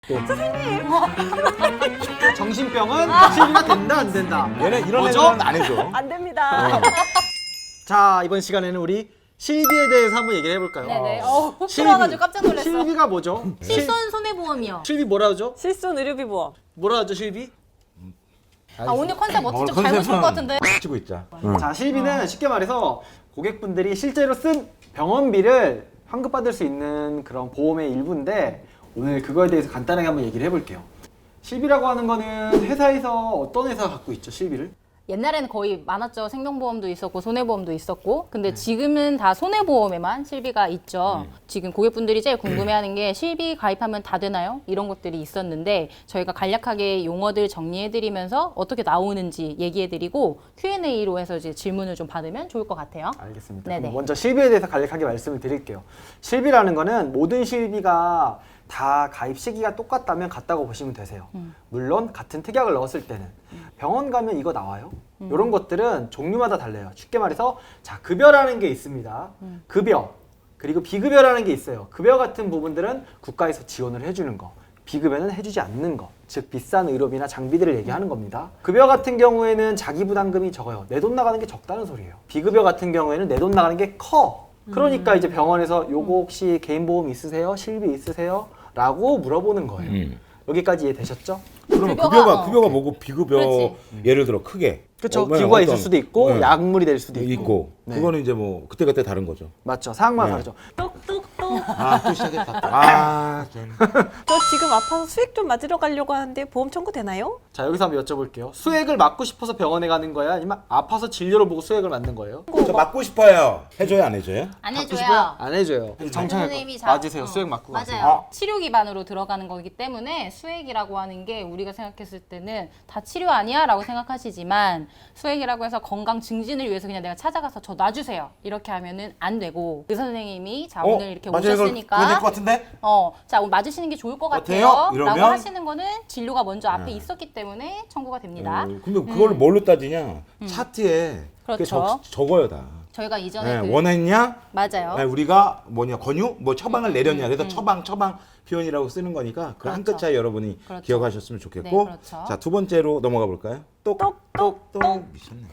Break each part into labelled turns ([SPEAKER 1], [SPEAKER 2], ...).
[SPEAKER 1] 정신병은 실비가 된다 안 된다.
[SPEAKER 2] 얘는 이런
[SPEAKER 1] 뭐죠?
[SPEAKER 2] 애들은 안 해줘.
[SPEAKER 3] 안 됩니다.
[SPEAKER 1] 자, 이번 시간에는 우리 실비에 대해서 한번 얘기를 해볼까요?
[SPEAKER 4] 네네. 훅
[SPEAKER 1] 실비.
[SPEAKER 4] 들어와가지고 깜짝 놀랐어.
[SPEAKER 1] 실비가 뭐죠?
[SPEAKER 4] 실손 손해보험이요.
[SPEAKER 1] 실비 뭐라 하죠?
[SPEAKER 3] 실손 의료비 보험.
[SPEAKER 1] 뭐라 하죠, 실비?
[SPEAKER 4] 아 오늘 컨셉
[SPEAKER 2] 오늘
[SPEAKER 4] 어떻게 좀 잘못 쓴것 같은데.
[SPEAKER 2] 치고 있자.
[SPEAKER 1] 자, 실비는 쉽게 말해서 고객분들이 실제로 쓴 병원비를 환급받을 수 있는 그런 보험의 일부인데 오늘 그거에 대해서 간단하게 한번 얘기를 해볼게요. 실비라고 하는 거는 회사에서 어떤 회사가 갖고 있죠, 실비를?
[SPEAKER 4] 옛날에는 거의 많았죠. 생명보험도 있었고 손해보험도 있었고. 근데 지금은 다 손해보험에만 실비가 있죠. 지금 고객분들이 제일 궁금해하는 게 실비 가입하면 다 되나요? 이런 것들이 있었는데 저희가 간략하게 용어들 정리해드리면서 어떻게 나오는지 얘기해드리고 Q&A로 해서 이제 질문을 좀 받으면 좋을 것 같아요.
[SPEAKER 1] 알겠습니다.
[SPEAKER 4] 네네.
[SPEAKER 1] 그럼 먼저 실비에 대해서 간략하게 말씀을 드릴게요. 실비라는 거는 모든 실비가 다 가입 시기가 똑같다면 같다고 보시면 되세요. 물론 같은 특약을 넣었을 때는 병원 가면 이거 나와요. 이런 것들은 종류마다 달라요. 쉽게 말해서 자, 급여라는 게 있습니다. 급여 그리고 비급여라는 게 있어요. 급여 같은 부분들은 국가에서 지원을 해주는 거, 비급여는 해주지 않는 거, 즉 비싼 의료비나 장비들을 얘기하는 겁니다. 급여 같은 경우에는 자기 부담금이 적어요. 내 돈 나가는 게 적다는 소리예요. 비급여 같은 경우에는 내 돈 나가는 게 커. 그러니까 이제 병원에서 요거 혹시 개인보험 있으세요? 실비 있으세요? 라고 물어보는 거예요. 여기까지 이해되셨죠?
[SPEAKER 2] 그러면
[SPEAKER 4] 급여가,
[SPEAKER 2] 급여가 뭐고 비급여
[SPEAKER 4] 그렇지.
[SPEAKER 2] 예를 들어 크게.
[SPEAKER 1] 그렇죠.
[SPEAKER 2] 뭐야,
[SPEAKER 1] 기구가
[SPEAKER 2] 어떤-
[SPEAKER 1] 있을 수도 있고
[SPEAKER 2] 네.
[SPEAKER 1] 약물이 될 수도 있고.
[SPEAKER 2] 있고.
[SPEAKER 1] 네.
[SPEAKER 2] 그거는 이제 뭐 그때그때 다른 거죠.
[SPEAKER 1] 맞죠. 상황마다
[SPEAKER 2] 네.
[SPEAKER 1] 다르죠.
[SPEAKER 3] 똑똑똑.
[SPEAKER 2] 아 또 시작했다. 아 좀.
[SPEAKER 3] 저 지금 아파서 수액 좀 맞으러 가려고 하는데 보험 청구 되나요?
[SPEAKER 1] 자, 여기서 한번 여쭤볼게요. 수액을 맞고 싶어서 병원에 가는 거야? 아니면 아파서 진료를 보고 수액을 맞는 거예요?
[SPEAKER 2] 저 맞고 싶어요. 해줘요 안 해줘요?
[SPEAKER 4] 안
[SPEAKER 1] 받고
[SPEAKER 4] 해줘요.
[SPEAKER 1] 싶어요? 안 해줘요. 정청할
[SPEAKER 4] 선생님이
[SPEAKER 1] 거. 맞으세요. 수액 맞고
[SPEAKER 4] 맞아요.
[SPEAKER 1] 가세요.
[SPEAKER 4] 치료 기반으로 들어가는 거기 때문에 수액이라고 하는 게 우리가 생각했을 때는 다 치료 아니야? 라고 생각하시지만 수액이라고 해서 건강 증진을 위해서 그냥 내가 찾아가서 저 놔주세요. 이렇게 하면은 안 되고 의사 선생님이 자 오늘 이렇게
[SPEAKER 2] 맞아요. 그거 될것
[SPEAKER 4] 오셨으니까
[SPEAKER 2] 같은데?
[SPEAKER 4] 자 오늘 맞으시는 게 좋을 것
[SPEAKER 2] 어때요?
[SPEAKER 4] 같아요.
[SPEAKER 2] 이러면?
[SPEAKER 4] 라고 하시는 거는 진료가 먼저 앞에 있었기 때문에 청구가 됩니다.
[SPEAKER 2] 근데 그걸 뭘로 따지냐? 차트에 그게
[SPEAKER 4] 그렇죠.
[SPEAKER 2] 적어요 다.
[SPEAKER 4] 저희가 이전에
[SPEAKER 2] 네,
[SPEAKER 4] 그
[SPEAKER 2] 원했냐?
[SPEAKER 4] 맞아요.
[SPEAKER 2] 네, 우리가 뭐냐 권유? 뭐 처방을 내렸냐? 그래서 처방 표현이라고 쓰는 거니까 그 한 끗 차이 여러분이
[SPEAKER 4] 그렇죠.
[SPEAKER 2] 기억하셨으면 좋겠고.
[SPEAKER 4] 네, 그렇죠.
[SPEAKER 2] 자, 두 번째로 넘어가 볼까요? 똑똑똑 미쳤네.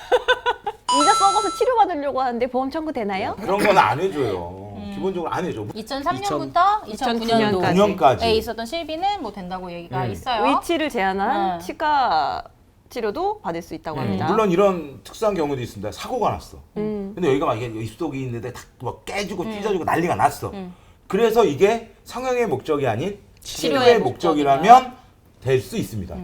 [SPEAKER 3] 이가 썩어서 치료받으려고 하는데 보험 청구 되나요?
[SPEAKER 2] 그런 건 안 해줘요. 기본적으로 안 해줘.
[SPEAKER 4] 2003년부터 2009년도
[SPEAKER 2] 2009년까지.
[SPEAKER 4] 에 있었던 실비는 뭐 된다고 얘기가 있어요.
[SPEAKER 3] 위치를 제한한
[SPEAKER 4] 음.
[SPEAKER 3] 치과 치료도 받을 수 있다고 합니다.
[SPEAKER 2] 물론 이런 특수한 경우도 있습니다. 사고가 났어.
[SPEAKER 3] 음.
[SPEAKER 2] 근데 여기가 막 이게 입속이 있는데 막 깨지고 찢어지고 난리가 났어. 그래서 이게 성형의 목적이 아닌 치료의
[SPEAKER 4] 치료의
[SPEAKER 2] 목적이라면 될 수 있습니다.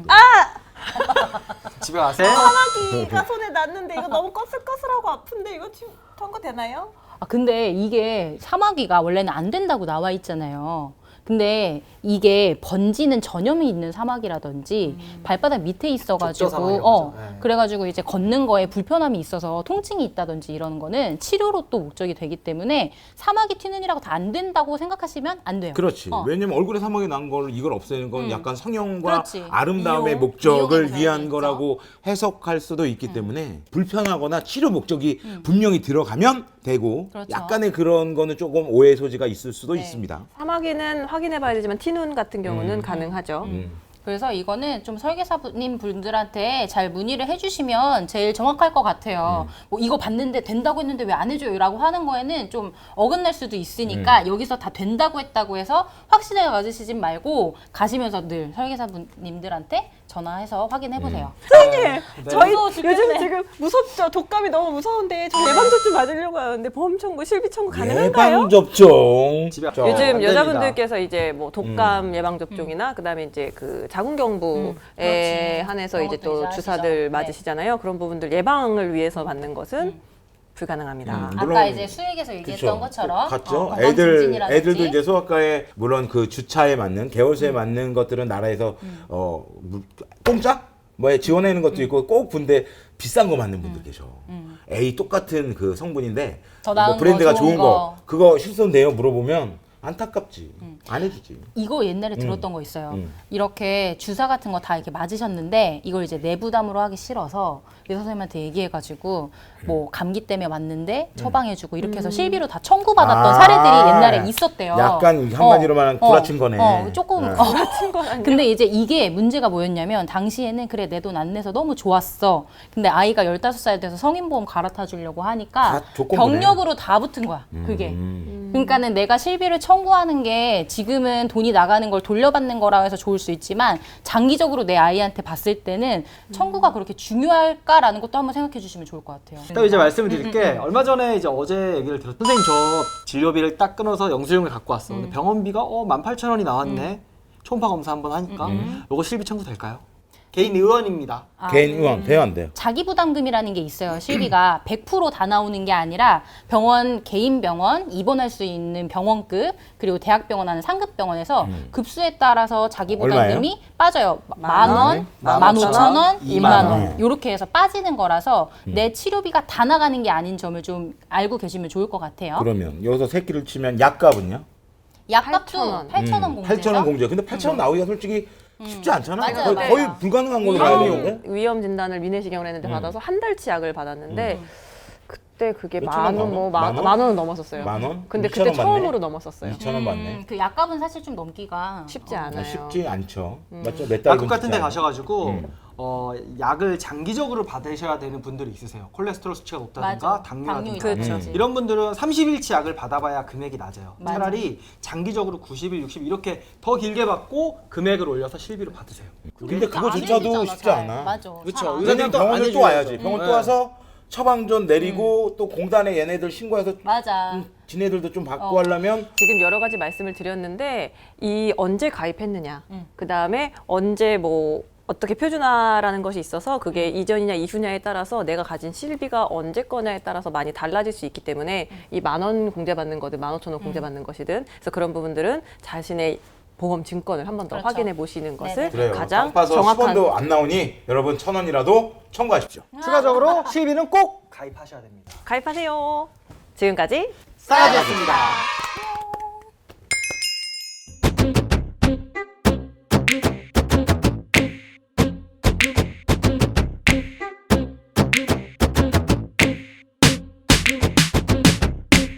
[SPEAKER 1] 집에 가세요.
[SPEAKER 3] 사마귀가 손에 났는데 이거 너무 꺼슬꺼슬하고 아픈데 이거 지금 청구 되나요?
[SPEAKER 4] 근데 이게 사마귀가 원래는 안 된다고 나와 있잖아요. 근데 이게 번지는 전염이 있는 사마귀라든지 발바닥 밑에
[SPEAKER 1] 좁죠,
[SPEAKER 4] 있어가지고
[SPEAKER 1] 사마귀라고 하죠. 네.
[SPEAKER 4] 그래가지고 이제 걷는 거에 불편함이 있어서 통증이 있다든지 이러는 거는 치료로 또 목적이 되기 때문에 사마귀 튀는이라고 다 안 된다고 생각하시면 안 돼요.
[SPEAKER 2] 그렇지.
[SPEAKER 4] 어.
[SPEAKER 2] 왜냐면 얼굴에 사막이 난 걸 이걸 없애는 건 약간 성형과
[SPEAKER 4] 그렇지.
[SPEAKER 2] 아름다움의
[SPEAKER 4] 미용,
[SPEAKER 2] 목적을
[SPEAKER 4] 미용의
[SPEAKER 2] 위한
[SPEAKER 4] 목적이
[SPEAKER 2] 거라고 해석할 수도 있기 때문에 불편하거나 치료 목적이 분명히 들어가면 되고
[SPEAKER 4] 그렇죠.
[SPEAKER 2] 약간의 그런 거는 조금 오해 소지가 있을 수도
[SPEAKER 4] 네.
[SPEAKER 2] 있습니다.
[SPEAKER 3] 사마귀는 확인해봐야 되지만 티눈 같은 경우는 가능하죠.
[SPEAKER 4] 그래서 이거는 좀 설계사님 분들한테 잘 문의를 해주시면 제일 정확할 것 같아요. 뭐 이거 봤는데 된다고 했는데 왜 안 해줘요? 라고 하는 거에는 좀 어긋날 수도 있으니까 여기서 다 된다고 했다고 해서 확신을 가지시진 말고 가시면서 늘 설계사님들한테 전화해서 확인해보세요.
[SPEAKER 3] 선생님, 저희
[SPEAKER 4] 무서워
[SPEAKER 3] 요즘
[SPEAKER 4] 죽겠네.
[SPEAKER 3] 지금 무섭죠? 독감이 너무 무서운데 저 예방접종 맞으려고 하는데 보험 청구, 실비 청구 가능한가요?
[SPEAKER 2] 예방 접종.
[SPEAKER 1] 집에 안
[SPEAKER 3] 요즘
[SPEAKER 1] 됩니다.
[SPEAKER 3] 여자분들께서 이제 뭐 독감 예방 접종이나 그다음에 이제 그 자궁경부에
[SPEAKER 4] 그렇지.
[SPEAKER 3] 한해서
[SPEAKER 4] 그런
[SPEAKER 3] 이제
[SPEAKER 4] 것도
[SPEAKER 3] 또
[SPEAKER 4] 이제
[SPEAKER 3] 주사들
[SPEAKER 4] 하시죠.
[SPEAKER 3] 맞으시잖아요. 그런 부분들 예방을 위해서 받는 것은 불가능합니다.
[SPEAKER 4] 아까
[SPEAKER 2] 물론-
[SPEAKER 4] 이제 수액에서 얘기했던
[SPEAKER 2] 그쵸.
[SPEAKER 4] 것처럼
[SPEAKER 2] 같죠.
[SPEAKER 4] 건강 증진이라든지.
[SPEAKER 2] 애들도 이제 소아과에 물론 그 주차에 맞는 개월수에 맞는 것들은 나라에서 공짜 뭐에 지원하는 것도 있고 꼭 근데 비싼 거 맞는 분들 계셔. A 똑같은 그 성분인데
[SPEAKER 4] 더 나은
[SPEAKER 2] 뭐 브랜드가
[SPEAKER 4] 거, 좋은
[SPEAKER 2] 좋은 거 그거 실손돼요 물어보면 안타깝지. 안 해주지.
[SPEAKER 4] 이거 옛날에 들었던 거 있어요. 이렇게 주사 같은 거 다 이렇게 맞으셨는데 이걸 이제 내부담으로 하기 싫어서 의사 선생님한테 얘기해가지고 뭐 감기 때문에 맞는데 처방해주고 이렇게 해서 실비로 다 청구받았던
[SPEAKER 2] 아,
[SPEAKER 4] 사례들이 옛날에 있었대요.
[SPEAKER 2] 약간 한마디로 말하면 구라친 거네.
[SPEAKER 4] 조금.
[SPEAKER 3] 같은 건 아니야.
[SPEAKER 4] 근데 이제 이게 문제가 뭐였냐면 당시에는 그래 내 돈 안 내서 너무 좋았어. 근데 아이가 15살 돼서 성인보험 갈아타 주려고 하니까
[SPEAKER 2] 다 조건부네.
[SPEAKER 4] 병력으로 다 붙은 거야. 그게. 그러니까는 내가 실비를 청구하는 게 지금은 돈이 나가는 걸 돌려받는 거라 해서 좋을 수 있지만 장기적으로 내 아이한테 봤을 때는 청구가 그렇게 중요할까라는 것도 한번 생각해 주시면 좋을 것 같아요.
[SPEAKER 1] 또 이제 말씀을 드릴게 얼마 전에 이제 어제 얘기를 들었 선생님 저 진료비를 딱 끊어서 영수증을 갖고 왔어. 근데 병원비가 18,000원이 나왔네. 초음파 검사 한번 하니까 요거 실비 청구 될까요? 개인 의원입니다.
[SPEAKER 2] 개인 의원 돼요 안 돼요?
[SPEAKER 4] 자기 부담금이라는 게 있어요. 실비가 100% 다 나오는 게 아니라 병원 개인 병원 입원할 수 있는 병원급 그리고 대학병원 하는 상급 병원에서 급수에 따라서 자기 부담금이 빠져요. 10,000원, 15,000원, 20,000원 이렇게 해서 빠지는 거라서 내 치료비가 다 나가는 게 아닌 점을 좀 알고 계시면 좋을 것 같아요.
[SPEAKER 2] 그러면 여기서 새끼를 치면 약값은요?
[SPEAKER 4] 약값도 8,000원 공제죠.
[SPEAKER 2] 8,000원 공제. 근데 8,000원 나오기가 솔직히 쉽지 않잖아.
[SPEAKER 4] 맞아요,
[SPEAKER 2] 거의
[SPEAKER 4] 맞아요.
[SPEAKER 2] 불가능한 걸로 봐야 돼요.
[SPEAKER 3] 위험 진단을 위내시경을 했는데 받아서 한 달치 약을 받았는데 그때 그게
[SPEAKER 2] 몇 천원
[SPEAKER 3] 만 원, 뭐
[SPEAKER 2] 만 원?
[SPEAKER 3] 만 원은 넘었었어요.
[SPEAKER 2] 만 원?
[SPEAKER 3] 근데
[SPEAKER 2] 2,000원
[SPEAKER 3] 그때
[SPEAKER 2] 받네?
[SPEAKER 3] 처음으로 넘었었어요.
[SPEAKER 2] 2,000원 받네.
[SPEAKER 4] 그 약값은 사실 좀 넘기가
[SPEAKER 3] 쉽지 않아요.
[SPEAKER 2] 쉽지 않죠. 맞죠? 몇 달.
[SPEAKER 1] 약국 같은 데 가셔가지고 약을 장기적으로 받으셔야 되는 분들이 있으세요. 콜레스테롤 수치가 높다든가
[SPEAKER 4] 맞아.
[SPEAKER 1] 당뇨라든가
[SPEAKER 3] 그렇죠.
[SPEAKER 1] 이런 분들은 30일치 약을 받아봐야 금액이 낮아요.
[SPEAKER 4] 맞아.
[SPEAKER 1] 차라리 장기적으로 90일, 60일 이렇게 더 길게 받고 금액을 올려서 실비로 받으세요.
[SPEAKER 2] 근데
[SPEAKER 4] 안
[SPEAKER 2] 그거조차도
[SPEAKER 4] 해주잖아,
[SPEAKER 2] 쉽지
[SPEAKER 4] 잘.
[SPEAKER 2] 않아.
[SPEAKER 4] 맞아.
[SPEAKER 1] 그쵸.
[SPEAKER 4] 잘 안
[SPEAKER 1] 의사님
[SPEAKER 2] 왜냐면
[SPEAKER 1] 또 안
[SPEAKER 2] 병원을 또
[SPEAKER 1] 해줘야죠.
[SPEAKER 2] 와야지. 병원 또
[SPEAKER 1] 네.
[SPEAKER 2] 와서 처방전 내리고 또 공단에 얘네들 신고해서
[SPEAKER 4] 맞아.
[SPEAKER 2] 지네들도 좀 받고 하려면
[SPEAKER 3] 지금 여러 가지 말씀을 드렸는데 이 언제 가입했느냐, 그 다음에 언제 뭐 어떻게 표준화라는 것이 있어서 그게 이전이냐 이후냐에 따라서 내가 가진 실비가 언제 거냐에 따라서 많이 달라질 수 있기 때문에 이 10,000원 공제받는 거든 15,000원 공제받는 것이든 그래서 그런 부분들은 자신의 보험 증권을 한 번 더
[SPEAKER 4] 그렇죠.
[SPEAKER 3] 확인해 보시는 것을
[SPEAKER 2] 그래요.
[SPEAKER 3] 가장
[SPEAKER 2] 딱 봐서
[SPEAKER 3] 정확한
[SPEAKER 2] 10원도 안 나오니 여러분 1,000원이라도 청구하십시오.
[SPEAKER 1] 추가적으로 실비는 꼭 가입하셔야 됩니다.
[SPEAKER 3] 가입하세요. 지금까지
[SPEAKER 1] 싸가지였습니다.